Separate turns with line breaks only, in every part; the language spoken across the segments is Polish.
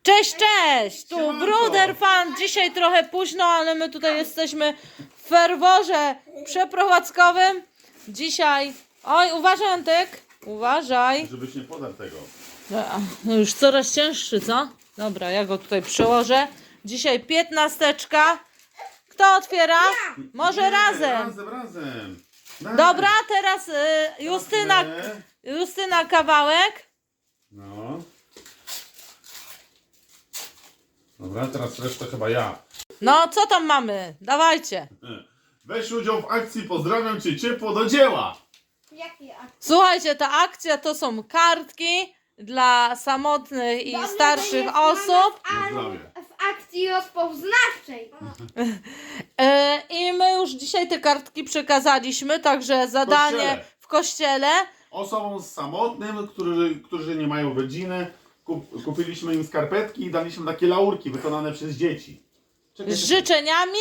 Cześć, cześć! Tu
Siemanko.
Bruder Fan. Dzisiaj trochę późno, ale my tutaj jesteśmy w ferworze przeprowadzkowym. Dzisiaj... Oj, uważaj, Antek. Uważaj.
Żebyś nie podarł tego.
No już coraz cięższy, co? Dobra, ja go tutaj przełożę. Dzisiaj 15. Kto otwiera? Może
Nie,
razem.
Razem.
Dobra, teraz Justyna kawałek.
No. Dobra, teraz resztę chyba ja.
No, co tam mamy? Dawajcie.
Weź udział w akcji, pozdrawiam cię ciepło do dzieła.
Jakie akcje?
Słuchajcie, ta akcja to są kartki dla samotnych i
Dobrze, że
starszych
jest
osób.
na nas
Zdrowie.
w akcji rozpoznawczej.
I my już dzisiaj te kartki przekazaliśmy, także zadanie
Kościele.
w kościele.
Osobom samotnym, którzy nie mają rodziny, kupiliśmy im skarpetki i daliśmy takie laurki wykonane przez dzieci. Czekaj,
Z życzeniami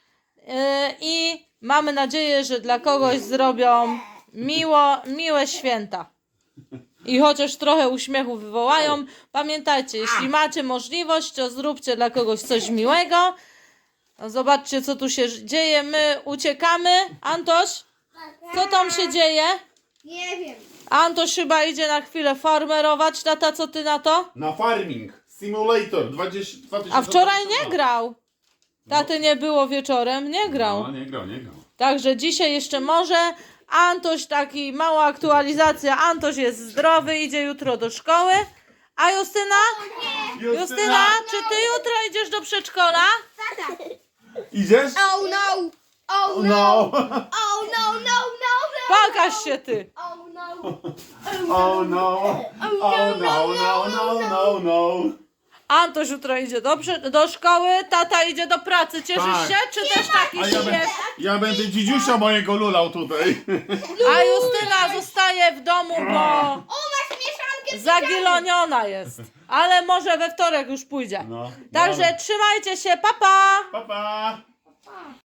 i mamy nadzieję, że dla kogoś zrobią miłe święta. I chociaż trochę uśmiechu wywołają, pamiętajcie, jeśli macie możliwość, to zróbcie dla kogoś coś miłego. No zobaczcie, co tu się dzieje. My uciekamy. Antoś, co tam się dzieje?
Nie wiem.
Antoś chyba idzie na chwilę farmerować. Tata, co ty na to?
Na Farming Simulator 2022.
A wczoraj nie grał. Taty nie było wieczorem, nie grał.
No, nie grał.
Także dzisiaj jeszcze może. Antoś, taki mała aktualizacja. Antoś jest zdrowy, idzie jutro do szkoły. A Justyna? Justyna, czy ty jutro idziesz do przedszkola?
Tata.
Idziesz?
Oh no. Oh no.
No.
Oh no, no, no, no.
Pokaż się ty.
Oh no.
Oh no. Oh no. No.
Antoś jutro idzie do szkoły, tata idzie do pracy. Cieszysz
Tak.
się? Czy też taki
A
śmiech?
ja będę dzidziusia mojego lulał tutaj.
A Justyna zostaje w domu, bo
O, masz mieszankę z
zagiloniona jest. Ale może we wtorek już pójdzie.
No,
Także
dobra.
trzymajcie się, pa pa!
Pa, pa.
dzieciami.